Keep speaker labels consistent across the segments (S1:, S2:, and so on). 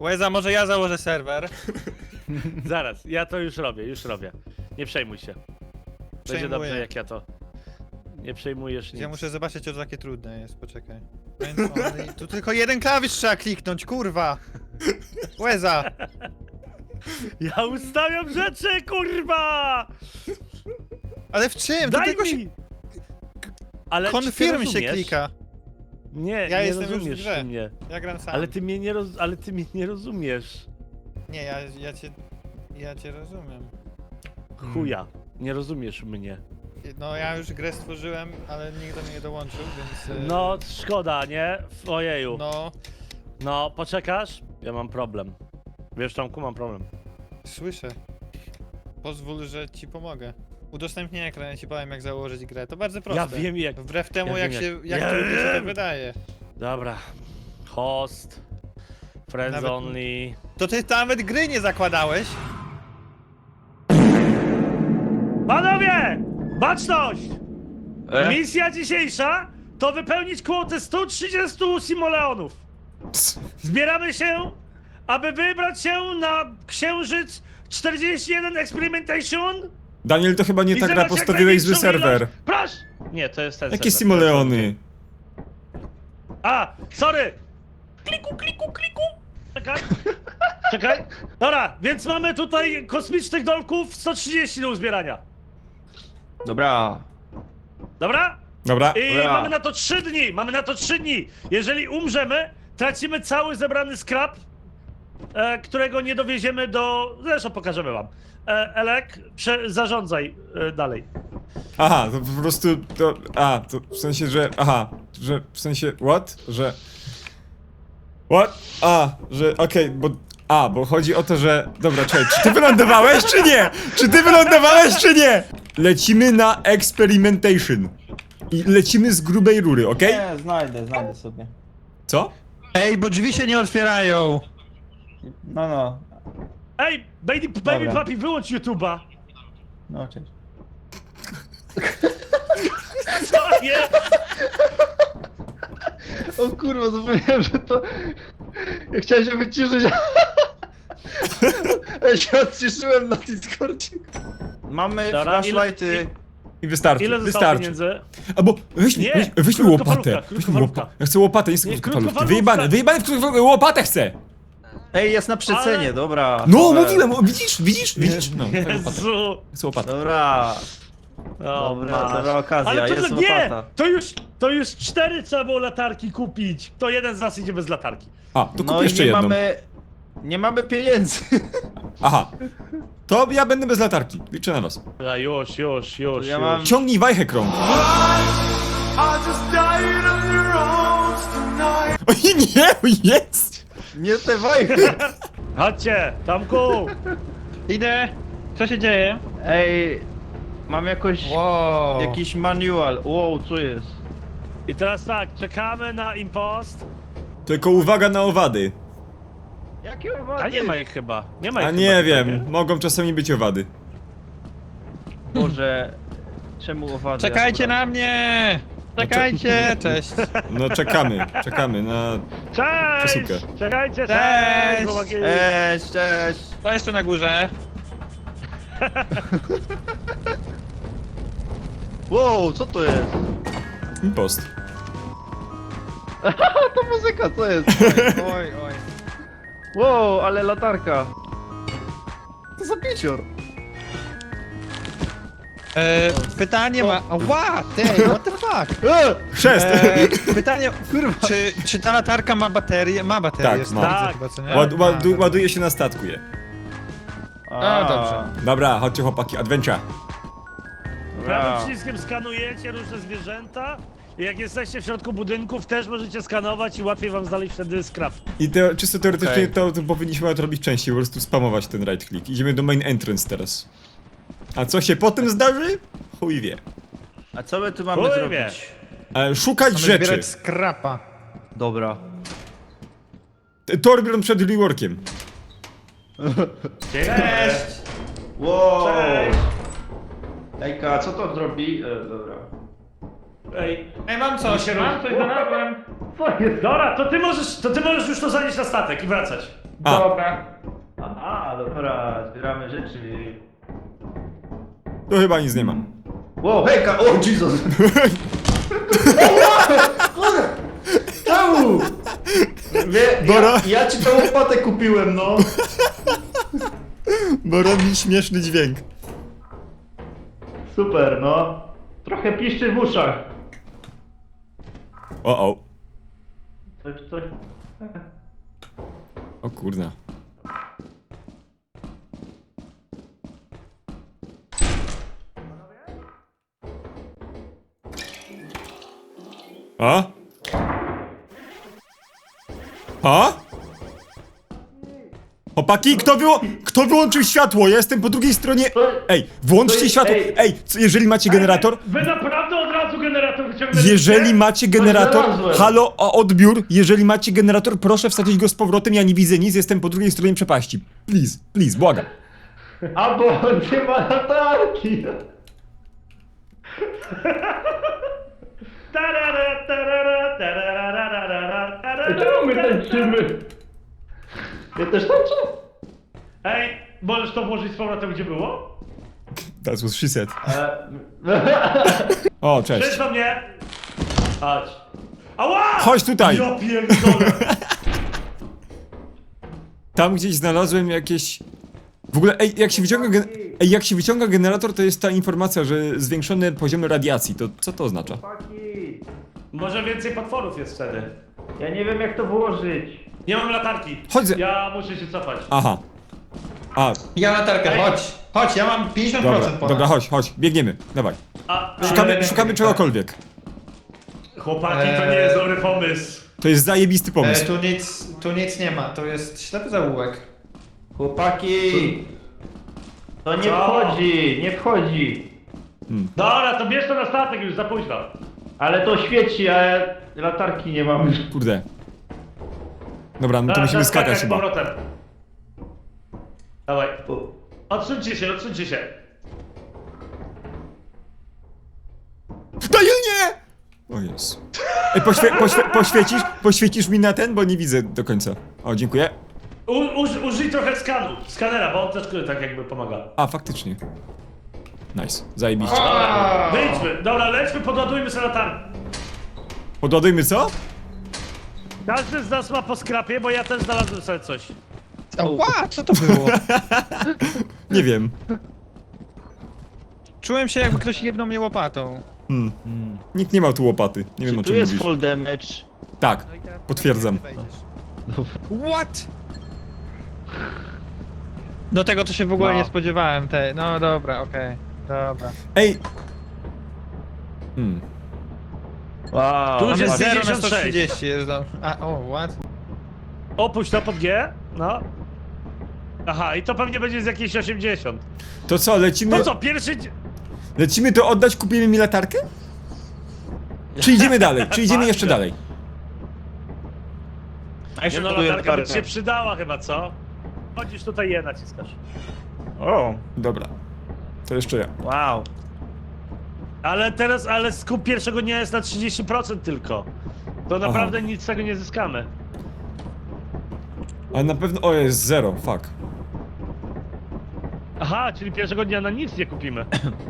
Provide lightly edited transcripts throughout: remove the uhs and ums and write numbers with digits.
S1: Łeza, może ja założę serwer.
S2: Zaraz, ja to już robię. Nie przejmuj się. Będzie
S1: Przejmuję.
S2: dobrze jak ja to. Nie przejmujesz nic.
S1: Ja muszę zobaczyć, czy to takie trudne jest, poczekaj. Tu tylko jeden klawisz trzeba kliknąć, kurwa! Łeza!
S2: Ja ustawiam rzeczy, kurwa!
S1: Ale w czym? Tu
S2: Daj
S1: tylko się...
S2: mi! Ale czy ty
S1: Confirm się
S2: rozumiesz?
S1: klika.
S2: Nie,
S1: Ja
S2: nie
S1: jestem już w
S2: rozumiesz
S1: grze.
S2: ty mnie.
S1: Ja gram sam.
S2: Ale ty mnie nie rozumiesz.
S1: Nie, ja cię rozumiem.
S2: Chuja, nie rozumiesz mnie.
S1: No ja już grę stworzyłem, ale nikt do mnie nie dołączył, więc...
S2: No, szkoda, nie? Ojeju.
S1: No,
S2: No, poczekasz? Ja mam problem. Wiesz, Tomku, mam problem.
S1: słyszę. Pozwól, że ci pomogę. Udostępnię ekran, ja ci powiem jak założyć grę. To bardzo proste.
S2: Ja wiem jak.
S1: Wbrew temu
S2: ja
S1: jak
S2: wiem,
S1: się,
S2: jak-
S1: jak
S2: Ja
S1: trudno się to
S2: wiem.
S1: wydaje.
S2: Dobra. Host. Friends
S1: Nawet-
S2: only.
S1: To ty nawet gry nie zakładałeś?
S2: Panowie! Baczność! Misja dzisiejsza to wypełnić kwotę 130 simoleonów. Zbieramy się, aby wybrać się na księżyc 41 Experimentation.
S3: Daniel, to chyba nie
S2: i
S3: ta gra,
S2: zebrać jak
S3: postawiłeś zły
S2: największą
S3: serwer.
S2: ilość- Proszę! Nie, to jest ten
S3: Jakie
S2: serwer.
S3: simoleony?
S2: A, sorry! Kliku. Czekaj. Czekaj. Dobra, więc mamy tutaj kosmicznych dolków 130 do uzbierania.
S4: Dobra.
S2: Dobra?
S3: Dobra.
S2: I
S4: Dobra.
S2: mamy na to 3 dni. Jeżeli umrzemy, tracimy cały zebrany scrap, którego nie dowieziemy do... Zresztą pokażemy wam. Elek, zarządzaj dalej.
S3: Aha, to po prostu to... to w sensie, że... Aha, że w sensie... What? Że... What? Że... Okej, bo chodzi o to, że... Dobra, czekaj, czy ty wylądowałeś, czy nie? Czy ty wylądowałeś, czy nie? Lecimy na experimentation. I lecimy z grubej rury, okej?
S4: Nie, znajdę sobie.
S3: Co?
S1: Ej, bo drzwi się nie otwierają!
S4: No.
S2: Ej, baby
S4: Dobra.
S2: papi, wyłącz YouTube'a.
S4: No, cześć.
S2: Co jest?
S5: O kurwa, zapomniałem, że to... Ja chciałem się wyciszyć. Ja się odciszyłem na Discordzie.
S4: Mamy
S2: Dobra,
S4: flashlighty.
S3: I wystarczy,
S2: Ile zostało
S3: wystarczy.
S2: pieniędzy?
S3: Albo
S2: Nie,
S3: weźmy łopatę.
S2: krótkofalówka,
S3: Weźmy łopatę. Ja chcę łopatę, nie chcę
S2: Nie,
S3: krótkofalówki.
S2: krótkofalówka.
S3: Wyjebane w krótkofalówkę, łopatę chcę!
S4: Ej, jest na przecenie,
S2: Ale-
S4: dobra.
S3: No,
S4: Dobra.
S3: mówiłem, widzisz? No, łopatę.
S2: Jezu.
S3: Chcę łopatę.
S4: Dobra.
S2: O,
S4: Dobra
S2: masz.
S4: okazja,
S2: Ale
S4: jest
S2: to nie!
S4: łopata.
S2: To już 4 trzeba było latarki kupić. To jeden z nas idzie bez latarki.
S3: A, to kup
S4: No i
S3: jeszcze
S4: nie
S3: jedną.
S4: nie mamy pieniędzy.
S3: Aha. To ja będę bez latarki. Liczę na was.
S2: A już.
S4: Ja mam...
S3: Ciągnij wajchę krąg. Oj nie, jest!
S4: Nie te wajchy.
S2: Chodźcie, Tomku!
S5: Idę. Co się dzieje?
S4: Ej, mam
S1: Wow.
S4: jakiś manual. Wow, co jest?
S2: I teraz tak, czekamy na impost.
S3: Tylko uwaga na owady.
S4: Jakie
S2: A
S4: owady?
S2: nie ma ich chyba. Nie ma ich
S3: A
S2: chyba
S3: nie
S2: tutaj,
S3: wiem, mogą czasami być owady.
S4: Boże, czemu owady?
S5: Czekajcie na mnie! Czekajcie! Cześć!
S3: No czekamy na
S2: Cześć!
S3: przesyłkę.
S2: Czekajcie,
S5: Cześć!
S2: chłopaki.
S4: Cześć!
S5: To jeszcze na górze.
S4: Wow, co to jest?
S3: Impost.
S4: To muzyka, co jest?
S1: Oj.
S4: Wow, ale latarka. To za picior.
S5: Pytanie ma... Ła! Ty, what the fuck?
S3: Chrzest!
S5: Pytanie... Kurwa. Czy ta latarka ma baterię? Ma baterię.
S3: Tak,
S5: jest
S3: ma.
S5: widzę
S2: Tak.
S5: chyba, co nie?
S3: Ład, ładuje się na statku je.
S5: A, dobrze.
S3: Dobra, chodźcie chłopaki, adventure.
S2: Prawym przyciskiem skanujecie różne zwierzęta. I jak jesteście w środku budynków, też możecie skanować i łatwiej wam znaleźć wtedy scrap.
S3: I czysto teoretycznie to powinniśmy to robić częściej, po prostu spamować ten right click. Idziemy do main entrance teraz. A co się potem zdarzy? Chuj wie.
S4: A co my tu mamy
S2: Chuj
S4: zrobić?
S2: wie.
S3: Szukać
S5: Mamy
S3: rzeczy.
S5: zbierać skrapa.
S4: Dobra.
S3: Torbjorn przed reworkiem.
S2: Cześć!
S4: Wow!
S2: Cześć!
S4: Ejka, co to zrobi? Dobra.
S2: Ej,
S5: Ej, mam coś,
S2: znalazłem.
S4: Co jest?
S2: Dobra, to ty możesz już to zanieść na statek i wracać.
S3: A.
S4: Dobra. Aha, dobra, zbieramy rzeczy.
S3: To chyba nic nie ma.
S4: Wow, hejka, o Jesus! Czemu?
S3: Bora.
S4: Ja ci tą łopatę kupiłem, no.
S3: Bo robi śmieszny dźwięk.
S4: Super, no. Trochę piszczy w uszach.
S3: O.
S4: Coś.
S3: O kurna. A? A? Chłopaki, kto wyłączył światło? Ja jestem po drugiej stronie. Ej, włączcie światło. Ej, jeżeli macie generator,
S2: Wy naprawdę od razu generator wyciągnęliście?
S3: jeżeli macie generator,
S4: znalazłem.
S3: halo, o odbiór, jeżeli macie generator, proszę wsadzić go z powrotem, ja nie widzę nic, jestem po drugiej stronie przepaści. Please, błagam.
S4: Albo nie ma latarki.
S2: Tarara, tarara, tarara, tarara,
S4: Czemu my tańczymy? Ja też tańczę?
S2: Ej, możesz to włożyć z powrotem gdzie było?
S3: That's what she said. O, cześć.
S2: Przejdź do mnie! Chodź. Ała!
S3: Chodź tutaj.
S2: Ja pierdolę.
S3: Tam gdzieś znalazłem jakieś... W ogóle, ej, jak się wyciąga generator, to jest ta informacja, że zwiększone poziomy radiacji. To co to oznacza?
S4: Chłopaki,
S2: Może więcej potworów jest wtedy.
S4: ja nie wiem jak to włożyć.
S2: Nie mam latarki.
S3: Chodź ze...
S2: Ja muszę się cofać.
S3: Aha. A,
S1: Ja latarkę, chodź, ja mam 50% ponad.
S3: dobra, chodź, biegniemy, dawaj.
S2: A,
S3: Szukamy czegokolwiek.
S2: chłopaki, to nie jest dobry pomysł.
S3: To jest zajebisty pomysł.
S1: Tu nic nie ma, to jest ślepy zaułek.
S4: Chłopaki! To nie
S2: Co?
S4: wchodzi, nie wchodzi.
S2: Dobra, to bierz to na statek już, za późno.
S4: Ale to świeci, a ja latarki nie mam.
S3: Kurde. Dobra, no to
S2: Teraz
S3: musimy skakać
S2: skakać z
S3: chyba.
S2: powrotem. Dawaj. Odsuńcie się.
S3: Daniel, nie! O Jezu. Ej, poświecisz mi na ten, bo nie widzę do końca. O, dziękuję.
S2: Użyj trochę skanera, bo on też tak jakby pomaga.
S3: A, faktycznie. Nice, zajebiście.
S2: Dobra, wyjdźmy. Dobra, lećmy, podładujmy sobie latarnię.
S3: Podładujmy co?
S2: Każdy z nas ma po skrapie, bo ja też znalazłem sobie coś.
S1: Ła, co to było?
S3: Nie wiem.
S1: Czułem się jakby ktoś jedną mnie łopatą.
S3: Nikt nie ma tu łopaty. Nie wiem o
S5: Tu
S3: czym
S5: jest
S3: mówisz.
S5: full damage.
S3: Tak, potwierdzam.
S1: What? Do tego to się w ogóle
S5: No.
S1: nie spodziewałem, no dobra, okej. Dobra.
S3: Ej!
S5: Wow.
S2: Tu już
S1: Mamy
S2: jest
S1: 0 na
S2: 56.
S1: 130 jest do... what?
S2: Opuść to pod G, no. Aha, i to pewnie będzie z jakieś 80.
S3: To co, lecimy?
S2: To co, pierwszy...
S3: Lecimy to oddać, kupimy mi latarkę? Czy idziemy dalej? Czy idziemy jeszcze dalej?
S5: A jeszcze
S2: Nie no,
S5: kupuję
S2: latarka by ci się przydała chyba, co? Chodzisz tutaj je naciskasz.
S5: O,
S3: Dobra. To jeszcze ja.
S5: wow.
S2: Ale skup pierwszego dnia jest na 30% tylko. To naprawdę nic z tego nie zyskamy.
S3: Ale na pewno... O, jest 0, fuck.
S2: Aha, czyli pierwszego dnia na nic nie kupimy.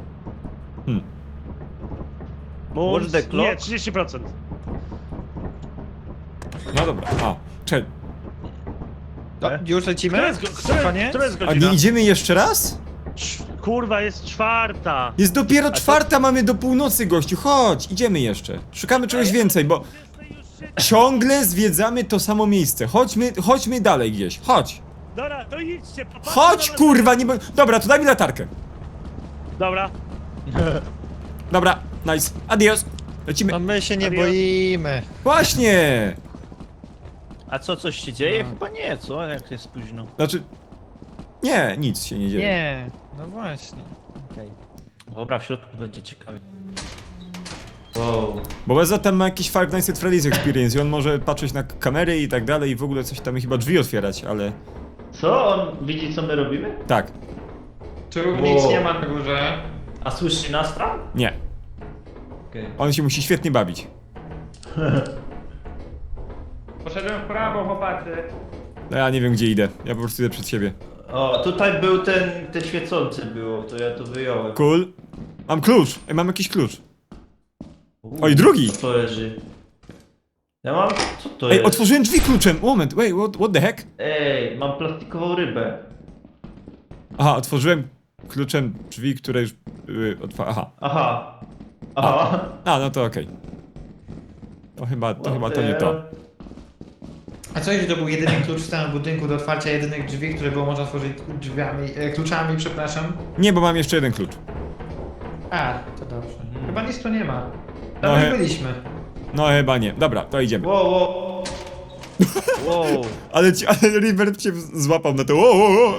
S5: What's the clock?
S2: Nie, 30%.
S3: No dobra, czekaj.
S1: Już lecimy?
S2: Które jest
S3: A
S2: godzina?
S3: nie idziemy jeszcze raz?
S2: Kurwa, jest 4.
S3: Jest dopiero 4, mamy do północy, gościu, chodź, idziemy jeszcze. Szukamy czegoś więcej, bo ciągle zwiedzamy to samo miejsce. Chodźmy dalej gdzieś, chodź.
S2: Dobra, to idźcie. popatrzcie
S3: Chodź,
S2: na
S3: kurwa, nie bo... Dobra, to daj mi latarkę.
S2: Dobra.
S3: Dobra, nice, adios. Lecimy.
S1: No my się nie
S2: Adios.
S1: boimy.
S3: Właśnie.
S5: A coś się dzieje? Chyba nie, co? Jak jest późno.
S3: Znaczy... Nie, nic się nie dzieje.
S1: Nie, no właśnie.
S5: Okej. Dobra, w środku będzie ciekawie.
S4: Wow.
S3: Bo Beza tam ma jakiś Five Nights at Freddy's Experience i on może patrzeć na kamery i tak dalej i w ogóle coś tam chyba drzwi otwierać, ale...
S4: Co? On widzi co my robimy?
S3: Tak,
S1: Tu
S4: nic nie
S1: ma na górze.
S4: A słyszy nas tam?
S3: nie.
S4: Okej.
S3: On się musi świetnie bawić.
S1: Poszedłem w prawo, chłopacy.
S3: No ja nie wiem gdzie idę, ja po prostu idę przed siebie.
S4: O, tutaj był ten świecący było, to ja to wyjąłem.
S3: Cool. Mam klucz, ej, mam jakiś klucz. Oj, drugi!
S4: Co to leży? Ja mam... Co to
S3: Ej,
S4: jest?
S3: otworzyłem drzwi kluczem, moment, wait, what the heck?
S4: Ej, mam plastikową rybę.
S3: Aha, otworzyłem kluczem drzwi, które już były aha.
S4: Aha. Aha.
S3: A, no to okej. To chyba to nie to.
S1: A co jeśli to był jedyny klucz w całym budynku do otwarcia jedynych drzwi, które było można otworzyć drzwiami, kluczami, przepraszam?
S3: Nie, bo mam jeszcze jeden klucz.
S1: A, to dobrze. Chyba nic tu nie ma.
S3: No
S1: Tam
S3: he-
S1: już byliśmy.
S3: No chyba nie. Dobra, to idziemy.
S4: Wow, wow.
S5: Wow.
S3: Ale Rivert cię złapał na to. O.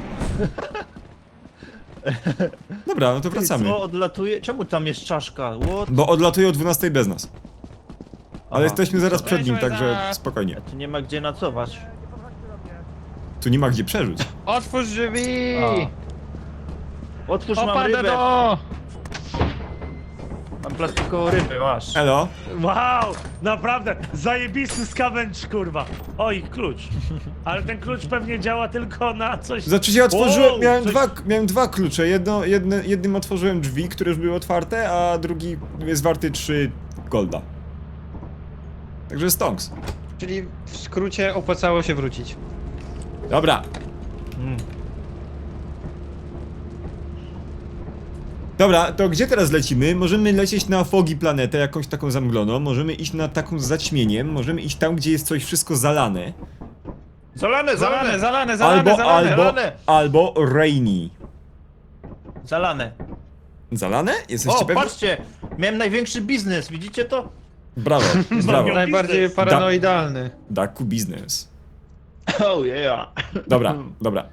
S3: Dobra, no to wracamy.
S5: Co odlatuje? Czemu tam jest czaszka? What?
S3: Bo odlatuje o 12 bez nas. Ale
S5: Aha.
S3: jesteśmy zaraz przed nim,
S1: Weźmy
S3: także
S1: za-
S3: spokojnie.
S5: Tu nie ma gdzie nocować.
S3: Tu nie ma gdzie przeżyć.
S1: Otwórz drzwi!
S5: Otwórz, mam
S1: Opada
S5: rybę.
S1: do...
S5: Mam plastikową rybę, masz.
S3: Elo?
S2: Wow, naprawdę, zajebisty scavenge, kurwa. Oj, klucz. Ale ten klucz pewnie działa tylko na coś...
S3: Znaczy się otworzyłem,
S2: Wow,
S3: miałem dwa klucze. Jednym otworzyłem drzwi, które już były otwarte, a drugi jest warty 3 golda. Także stonks.
S1: Czyli w skrócie opłacało się wrócić.
S3: Dobra. Dobra, to gdzie teraz lecimy? Możemy lecieć na Fogi planetę, jakąś taką zamgloną, możemy iść na taką z zaćmieniem, możemy iść tam, gdzie jest coś wszystko zalane.
S5: Zalane,
S3: Albo rainy.
S5: Zalane.
S3: Zalane? Jesteście
S5: O,
S3: pewni?
S5: patrzcie! Miałem największy biznes, widzicie to?
S3: Brawo, brawo.
S1: Najbardziej
S2: biznes.
S1: paranoidalny.
S3: Daku biznes.
S5: Oh yeah.
S3: Dobra, dobra.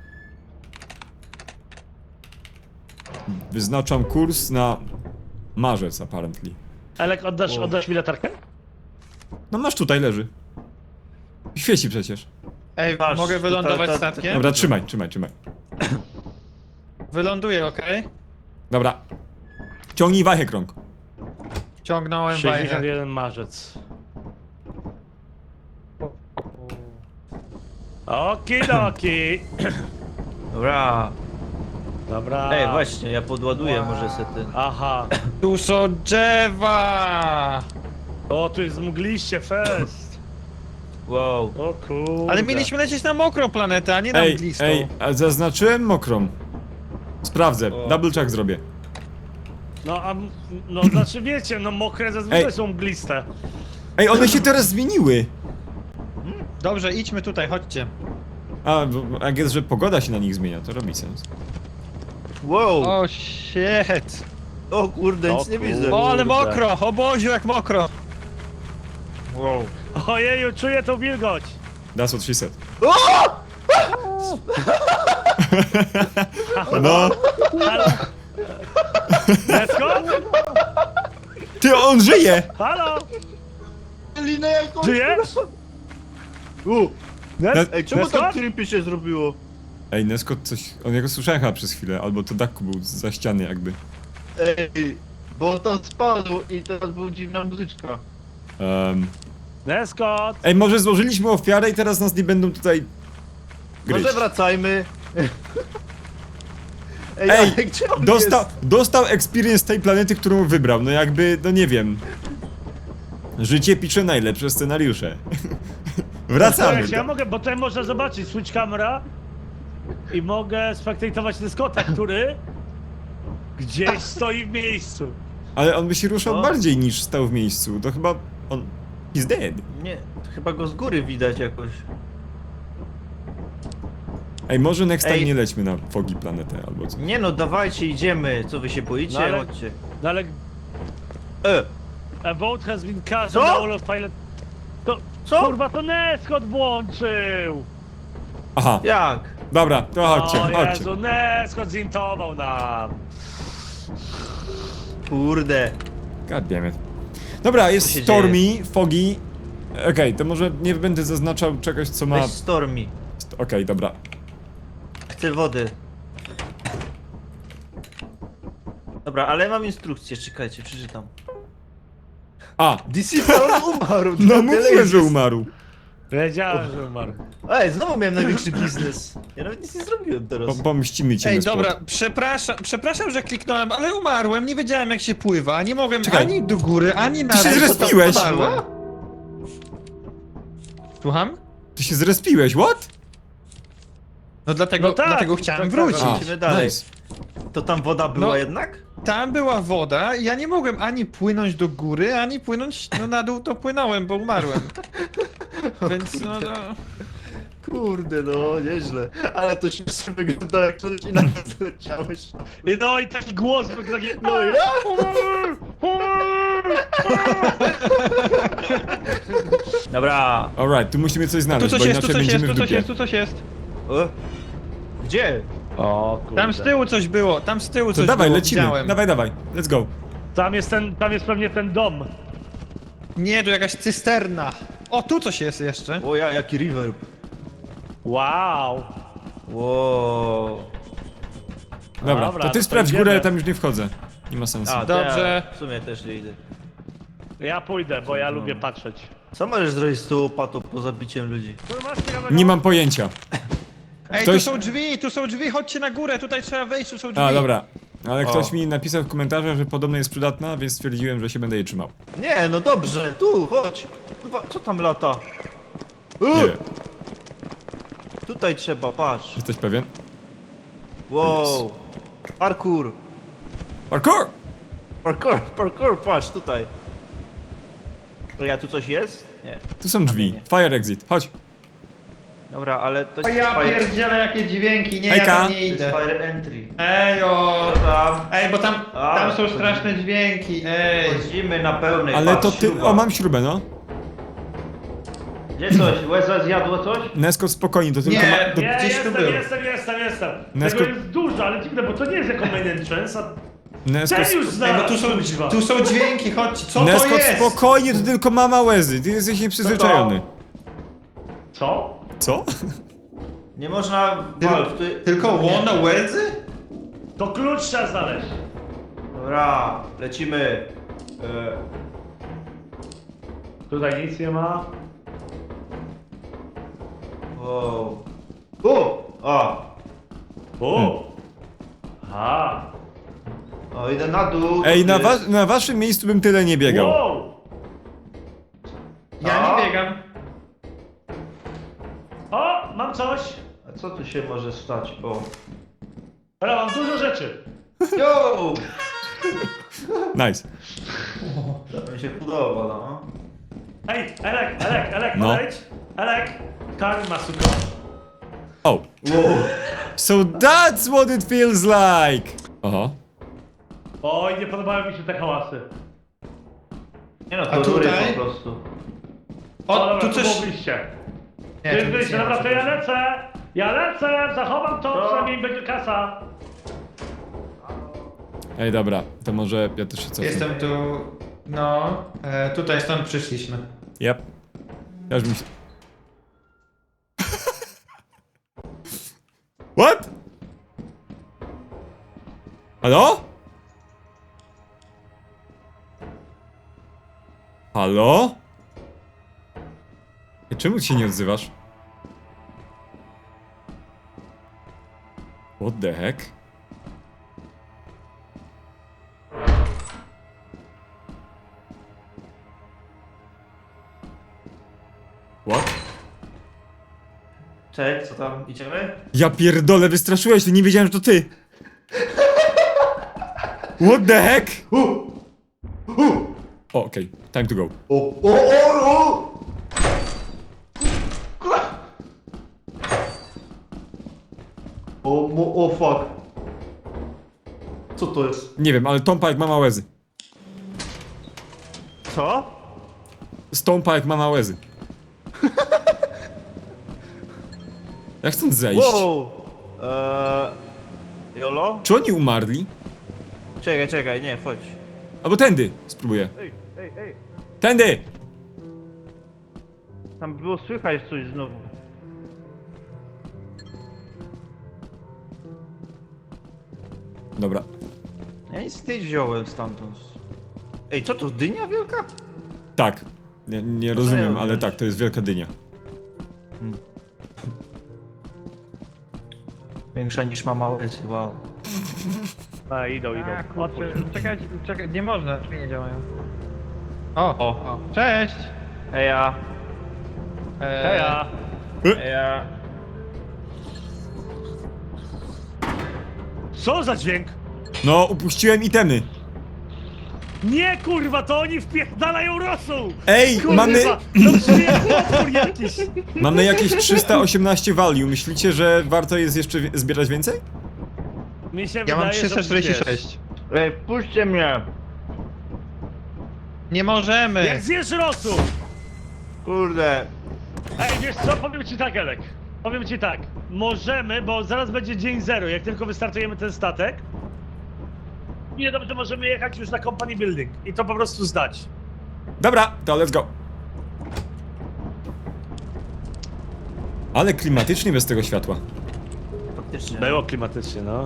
S3: Wyznaczam kurs na marzec, apparently.
S2: Elek, oddasz mi latarkę?
S3: No masz tutaj, leży. Świeci przecież.
S1: Ej,
S5: Patrz,
S1: mogę
S5: tutaj
S1: wylądować
S5: to-
S1: statkiem?
S3: Dobra, trzymaj.
S1: Wyląduję, okej?
S3: Dobra. Ciągnij wachę krąg.
S1: Ciągnąłem wajchę.
S2: 61 marzec. Okidoki.
S5: Dobra.
S2: Dobra.
S5: Ej, właśnie, ja podładuję może se ten.
S2: Aha.
S1: Tu są drzewa!
S2: O, tu jest mgliście fest.
S5: Wow.
S2: O kurde.
S1: Ale mieliśmy lecieć na mokrą planetę, a nie na mglistą.
S3: a zaznaczyłem mokrą. Sprawdzę,
S5: O.
S3: double check zrobię.
S2: No, no znaczy wiecie, no mokre zazwyczaj
S3: Ej.
S2: są mgliste.
S3: Ej, one się teraz zmieniły!
S1: Dobrze, idźmy tutaj, chodźcie.
S3: A, bo jak jest, że pogoda się na nich zmienia, to robi sens.
S5: Wow.
S1: O, shit!
S5: O kurde, nic nie widzę.
S1: O, ale
S2: Kurde.
S1: mokro! O Boziu, jak mokro!
S5: Wow.
S2: Ojeju, czuję tą wilgoć.
S3: That's what she said. No,
S2: Halo? Lesko?
S3: ty, on żyje!
S2: Halo?
S5: Linę jakąś.
S2: Żyjesz?
S5: Ej, czemu
S2: Nesko?
S5: tak creepy się zrobiło?
S3: Ej, Nesko coś... On jego słyszałem chyba przez chwilę, albo to Daku był za ściany jakby.
S5: Ej, bo to spadło i teraz była dziwna muzyczka.
S2: Nesko?
S3: Ej, może złożyliśmy ofiarę i teraz nas nie będą tutaj... gryźć.
S5: Może wracajmy. Ej,
S3: Ej,
S5: ale gdzie on
S3: dostał experience tej planety, którą wybrał, no jakby, no nie wiem. Życie pisze najlepsze scenariusze. Wracamy.
S2: Słuchajcie, ja mogę, bo tutaj można zobaczyć switch camera i mogę spektatować Neskota, który gdzieś stoi w miejscu.
S3: Ale on by się ruszał
S5: O.
S3: bardziej niż stał w miejscu, to chyba on... He's dead.
S5: jest? Nie, to chyba go z góry widać jakoś.
S3: Ej, może next time
S5: Ej.
S3: nie lećmy na Fogi planetę albo co.
S5: Nie no, dawajcie, idziemy. Co wy się boicie?
S2: No ale-
S5: Chodźcie.
S2: No ale a boat has been cast
S5: Co?
S2: on the all of pilot. To,
S5: Co?
S2: kurwa, to Neskot włączył!
S3: Aha,
S5: Jak?
S3: dobra, to chodźcie,
S2: O
S3: chodźcie.
S2: Jezu, Neskot zintował nam!
S5: Kurde.
S3: God damn it. Dobra, jest
S5: Co się
S3: Stormy, Fogi. Okej, to może nie będę zaznaczał czegoś, co ma...
S5: Weź Stormy.
S3: Okej, dobra.
S5: Chcę wody. Dobra, ale mam instrukcję, czekajcie, przeczytam.
S3: A,
S5: DC Town umarł!
S3: no
S5: tyle
S3: mówiłem,
S5: jest.
S3: że umarł.
S2: Wiedziałem, że umarł.
S5: Ej, znowu miałem największy biznes. Ja nawet nic nie zrobiłem teraz.
S3: Pomścimy cię.
S1: Ej,
S3: Nespot.
S1: dobra, przepraszam, że kliknąłem, ale umarłem, nie wiedziałem jak się pływa, nie mogłem
S3: Czekaj.
S1: ani do góry, ani na
S3: Ty się
S1: dół, bo tam
S3: zrespiłeś.
S1: padłem. Słucham?
S3: Ty się zrespiłeś, what?
S1: No dlatego,
S2: No tak,
S1: dlatego chciałem
S2: tak,
S1: wrócić.
S2: tak.
S5: Lecimy dalej.
S3: nice.
S5: To tam woda była
S1: No.
S5: jednak?
S1: Tam była woda i ja nie mogłem ani płynąć do góry, ani płynąć na dół, to płynąłem, bo umarłem. Więc no,
S5: Kurde, no, nieźle. Ale to śmiesznie wygląda, jak coś i nagle zleciałeś.
S2: No i taki głos był taki...
S5: No ja? Dobra.
S3: Alright, tu musimy coś
S1: Tu
S3: znaleźć,
S1: coś
S3: bo
S1: jest, tu
S3: inaczej
S1: coś jest,
S3: będziemy
S1: tu
S3: w
S1: coś
S3: dupie.
S1: jest, tu coś jest.
S5: O? Gdzie?
S2: O kurde.
S1: Tam z tyłu coś było, tam z tyłu
S3: To
S1: coś
S3: dawaj,
S1: było,
S3: lecimy.
S1: widziałem.
S3: Dawaj, let's go.
S2: Tam jest pewnie ten dom.
S1: Nie, tu jakaś cysterna. O, tu coś jest jeszcze.
S5: O ja, jaki reverb.
S2: Wow.
S5: Wow.
S3: Dobra,
S2: Dobra,
S3: to ty
S2: to
S3: sprawdź
S2: idziemy.
S3: górę, tam już nie wchodzę. Nie ma sensu.
S5: A,
S1: Dobrze.
S5: Ja w sumie też nie idę.
S2: Ja pójdę, bo ja lubię patrzeć.
S5: Co możesz zrobić z tą łopatą poza biciem ludzi?
S2: Tu masz ciekawego?
S3: Nie mam pojęcia.
S1: Ej,
S3: Ktoś-
S1: tu są drzwi, chodźcie na górę, tutaj trzeba wejść, tu są drzwi.
S3: A, dobra. Ale
S5: O.
S3: ktoś mi napisał w komentarzach, że podobno jest przydatna, więc stwierdziłem, że się będę jej trzymał.
S5: Nie, no dobrze, tu, chodź. Kurwa, co tam lata?
S3: Nie wiem.
S5: Tutaj trzeba, patrz.
S3: Jesteś pewien?
S5: Wow. Parkour.
S3: Parkour!
S5: Parkour, patrz, tutaj. To ja tu coś jest? Nie.
S3: Tu są drzwi. Fire exit. Chodź.
S5: Dobra, ale to
S1: O ja
S5: fire,
S1: pierdzielę jakie dźwięki, nie,
S3: Hejka.
S1: ja tam nie
S5: to jest
S1: idę.
S5: fire entry.
S1: Ej, o.
S5: Co tam?
S1: Ej, bo tam
S5: A,
S1: są straszne dźwięki, ej.
S5: Chodzimy na pełnej,
S3: Ale
S5: patrz,
S3: to ty...
S5: śruba.
S3: O, mam śrubę, no.
S5: Gdzie coś? Łeza zjadło coś?
S3: Nesko, spokojnie, to tylko
S1: Nie.
S3: ma... To...
S2: Nie,
S1: Gdzieś tu
S2: jestem.
S3: Nesko-
S2: Tego jest dużo, ale dziwne, bo to nie jest jako main entrance, a
S3: Nesko,
S2: ten już
S1: Ej, bo
S2: znalazł,
S1: tu
S2: kuźwa.
S1: są dźwięki, chodźcie, co to
S3: Nesko,
S1: jest?
S3: spokojnie, to tylko mama łezy. Ty jesteś nieprzyzwyczajony.
S2: Co?
S3: Co?
S5: Nie można walk, tu...
S1: Tylko łono łezy?
S2: To klucz trzeba znaleźć.
S5: Dobra, lecimy.
S2: Tutaj nic nie ma.
S5: Wow. O!
S2: Aha.
S5: O, idę na dół.
S3: Ej,
S5: tu jest.
S3: na waszym miejscu bym tyle nie biegał.
S2: Wow.
S1: Ja nie biegam.
S2: O, mam coś.
S5: A co tu się może stać? O.
S2: Ale mam dużo rzeczy.
S5: Yo!
S3: Nice.
S5: To mi się podoba, no.
S2: Hej, Elek,
S3: No.
S2: podejdź. Elek, karma, suko.
S3: Oh.
S5: Wow.
S3: So that's what it feels like! Oho.
S2: Oj, nie podobają mi się te hałasy.
S5: Nie no,
S1: A
S5: to rury
S1: tutaj?
S5: po prostu.
S2: O,
S1: O,
S2: dobra,
S1: tu coś...
S2: było wyjście.
S1: Nie,
S2: To jest
S1: tu nic
S2: wyjście,
S1: nie ma,
S2: dobra, to ja
S1: przepraszam.
S2: lecę. Ja lecę, zachowam to,
S5: Co?
S2: przynajmniej będzie kasa.
S3: Ej, dobra, to może ja też się cofnę.
S1: Jestem tu... No, tutaj stąd przyszliśmy.
S3: Yep. Ja już mi się... What? Halo? Halo? Ej, czemu się nie odzywasz? What the heck? What?
S5: Cześć, co tam? Idziemy?
S3: Ja pierdolę, wystraszyłeś, to nie wiedziałem, że to ty! What the heck? O, okej, time to go.
S5: O! O fuck. Co to jest?
S3: Nie wiem, ale Tompa jak mama łezy.
S5: Co?
S3: Stąpa jak mama łezy. Jak stąd zejść?
S5: Wow! Jolo?
S3: Czy oni umarli?
S5: Czekaj, nie, chodź.
S3: Albo tędy, spróbuję.
S5: Ej!
S3: Tędy!
S5: Tam było słychać coś znowu.
S3: Dobra.
S5: Ja nic nie wziąłem stamtąd. Ej, co to, dynia wielka?
S3: Tak. Nie rozumiem, ale tak, to jest wielka dynia.
S5: Większa niż mama łyzy, wow.
S2: A, idą.
S1: A, kurczę,
S2: Otwórz.
S1: czekaj, nie można, drzwi nie działają. O, cześć!
S5: Eja.
S2: Heja.
S5: Eja.
S2: Co za dźwięk?
S3: No, upuściłem itemy.
S2: Nie, kurwa, to oni wpierdalają rosół!
S3: Ej,
S2: Kurwa,
S3: mamy...
S2: to przyjemny potwór jakiś!
S3: Mamy jakieś 318 value. Myślicie, że warto jest jeszcze zbierać więcej?
S2: Mi się
S1: Ja
S2: wydaje,
S1: mam
S2: że
S1: 346.
S5: Ej, wpuśćcie mnie.
S1: Nie
S2: wiesz,
S1: możemy!
S2: jak zjesz rosół!
S5: Kurde.
S2: Ej, wiesz co, powiem ci tak, Elek. Powiem ci tak, możemy, bo zaraz będzie dzień zero, jak tylko wystartujemy ten statek. Nie dobrze, możemy jechać już na company building i to po prostu zdać.
S3: Dobra, to let's go. Ale klimatycznie bez tego światła.
S5: Faktycznie.
S2: Było klimatycznie, no.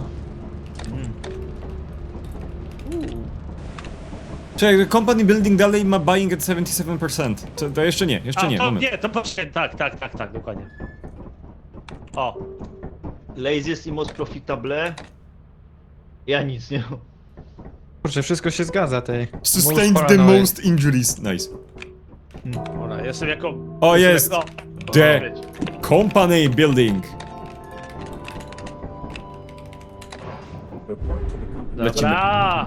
S3: Czekaj, company building dalej ma buying at 77%. To jeszcze nie,
S2: To
S3: moment.
S2: nie, to poczekaj, tak, dokładnie. O,
S5: Laziest i most profitable. Ja nic nie mam.
S1: Kurczę, wszystko się zgadza tej.
S3: Sustained
S1: Most
S3: the
S1: paranoid.
S3: most injuries. Nice.
S2: dobra, jestem jako...
S3: O, jest!
S2: O,
S3: The
S2: wiecie.
S3: company building. Lecimy.
S2: Dobra.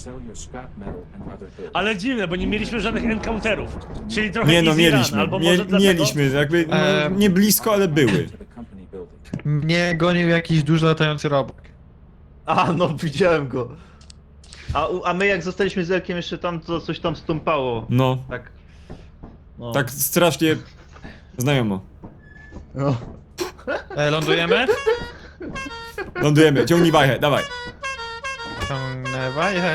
S2: Ale dziwne, bo nie mieliśmy żadnych encounterów. Czyli trochę
S3: Nie no,
S2: easy run,
S3: mieliśmy.
S2: albo może dlatego...
S3: Mieliśmy, jakby no, nie blisko, ale były.
S1: Mnie gonił jakiś duży latający robak.
S5: A, no widziałem go. A my jak zostaliśmy z Elkiem jeszcze tam, to coś tam stąpało.
S3: No,
S5: Tak. No.
S3: tak strasznie znajomo.
S5: No.
S1: Lądujemy?
S3: Lądujemy, ciągnij wajchę, dawaj.
S1: Ciągnę wajchę.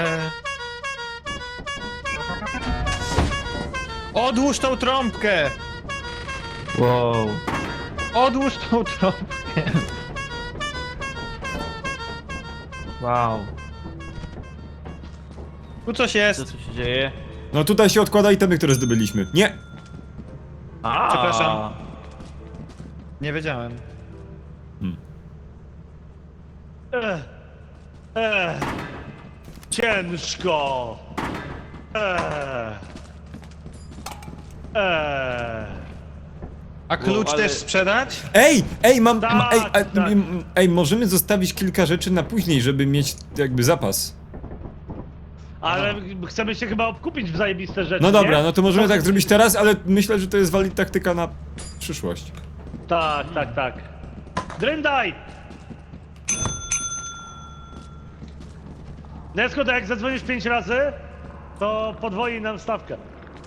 S1: Odłóż tą trąbkę!
S5: Wow.
S1: Odłóż tą trąbkę!
S5: Wow.
S1: Tu coś
S5: Co
S1: jest.
S5: tu się dzieje?
S3: No tutaj się odkłada itemy, które zdobyliśmy. Nie!
S5: A.
S1: Przepraszam. Nie wiedziałem.
S2: Ciężko.
S1: A klucz
S5: ale-
S1: też sprzedać?
S3: Ej, mam,
S2: Tak, tak.
S3: ej, możemy zostawić kilka rzeczy na później, żeby mieć jakby zapas.
S2: Ale chcemy się chyba obkupić w zajebiste rzeczy,
S3: No dobra,
S2: nie?
S3: no to możemy tak zrobić teraz, ale myślę, że to jest valid taktyka na przyszłość.
S2: Tak. Dryndaj! Nesko, to jak zadzwonisz 5 razy, to podwoi nam stawkę.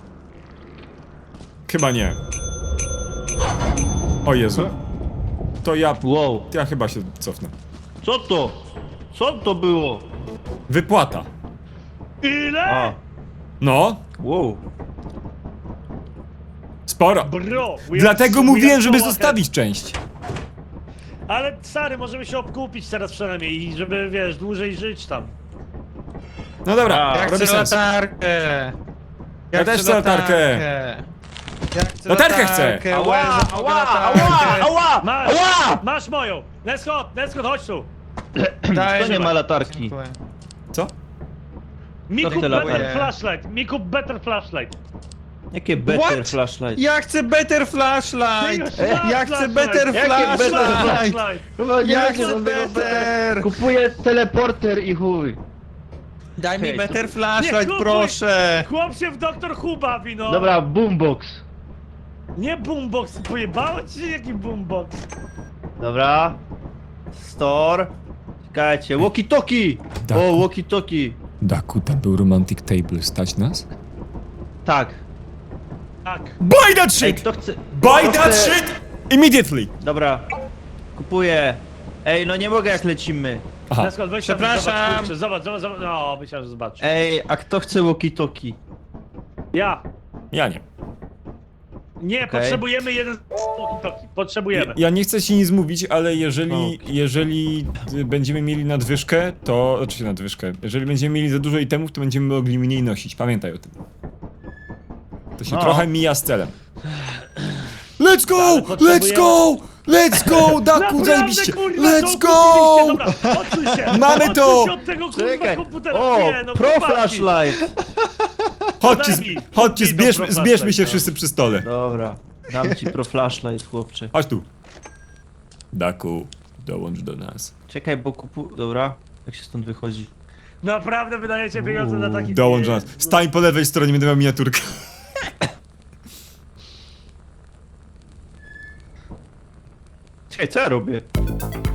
S3: Chyba nie. O Jezu. To
S5: Wow.
S3: ja chyba się cofnę.
S5: Co to? Co to było?
S3: Wypłata.
S2: Ile?
S5: A.
S3: No,
S5: Wow.
S3: sporo.
S2: Bro!
S3: Dlatego mówiłem, żeby zostawić część.
S2: Ale stary, możemy się obkupić teraz przynajmniej i żeby, wiesz, dłużej żyć tam.
S3: No dobra,
S5: A,
S1: Ja
S3: robi
S1: chcę
S3: sens.
S1: latarkę!
S3: Ja też chcę latarkę.
S1: Ja chcę
S3: Latarkę chcę.
S1: latarkę,
S5: Ała,
S1: Łez,
S5: ała,
S1: latarkę.
S5: ała, ała!
S2: Masz!
S5: Ała!
S2: Masz moją! Nesko, chodź tu!
S1: Daj,
S5: Kto nie ma latarki?
S1: Dziękuję.
S3: Co?
S2: Mi
S5: To
S2: kup
S5: te
S2: better
S1: latarki.
S2: flashlight! Mi kup better flashlight!
S5: Jakie better
S1: What?
S5: flashlight?
S1: Ja chcę better flashlight! Ja chcę better
S5: Jakie better
S1: flashlight!
S5: Chyba
S1: Ja chcę better!
S5: Kupuję teleporter i chuj.
S1: Daj mi
S5: Hej,
S1: better
S2: Nie
S1: flashlight,
S2: kupuj!
S1: proszę!
S2: Chłop się w Doktor Who bawi, no!
S5: Dobra, boombox.
S2: Nie boombox, pojebało ci się jaki boombox?
S5: Dobra. Store. Czekajcie, walkie-talkie!
S3: Daku.
S5: O, walkie-talkie.
S3: Daku, tam był romantic table, stać nas?
S5: Tak.
S2: Tak.
S3: Buy that
S5: Ej,
S3: shit!
S5: kto chce...
S3: Buy
S5: kto
S3: that
S5: chce-
S3: shit! Immediately!
S5: Dobra. Kupuję. Ej, no nie mogę jak lecimy.
S3: Aha.
S2: Nesko, weź tam,
S1: Przepraszam.
S2: zobacz, zobacz, no, myślałem, że zobacz.
S5: Ej, a kto chce walkie-talkie?
S2: Ja.
S3: Ja nie.
S2: Nie,
S5: Okej.
S2: potrzebujemy jeden walkie-talkie. Potrzebujemy.
S3: Ja nie chcę ci nic mówić, ale jeżeli,
S5: Okej.
S3: jeżeli będziemy mieli nadwyżkę, to... Oczywiście nadwyżkę. Jeżeli będziemy mieli za dużo itemów, to będziemy mogli mniej nosić. Pamiętaj o tym. To się
S5: No.
S3: trochę mija z celem. Let's Let's go!
S2: Ale
S3: Let's
S2: potrzebujemy-
S3: go! Let's go! Daku,
S2: Naprawdę,
S3: zajebiście!
S2: kurwa,
S3: Let's
S2: to
S3: go!
S2: kupiliście. Dobra, odsuń się!
S3: Mamy
S2: Odsuń
S3: to!
S2: się od tego kurwa
S5: Czekaj!
S2: komputera!
S5: O!
S2: Nie, no,
S5: Pro
S2: chłopaki.
S5: flashlight!
S3: Chodźcie,
S2: Daj mi,
S3: chodźcie,
S2: kup mi to pro
S3: zbierzmy się
S2: flashlight,
S3: wszyscy przy stole.
S5: Dobra, dam ci pro flashlight, chłopcze.
S3: Chodź tu. Daku, dołącz do nas.
S5: Czekaj, bo Dobra, jak się stąd wychodzi?
S2: Naprawdę wydajecie pieniądze na taki...
S3: Dołącz do nas. Stań po lewej stronie, będę miał miniaturkę.
S5: Czekaj, co ja robię?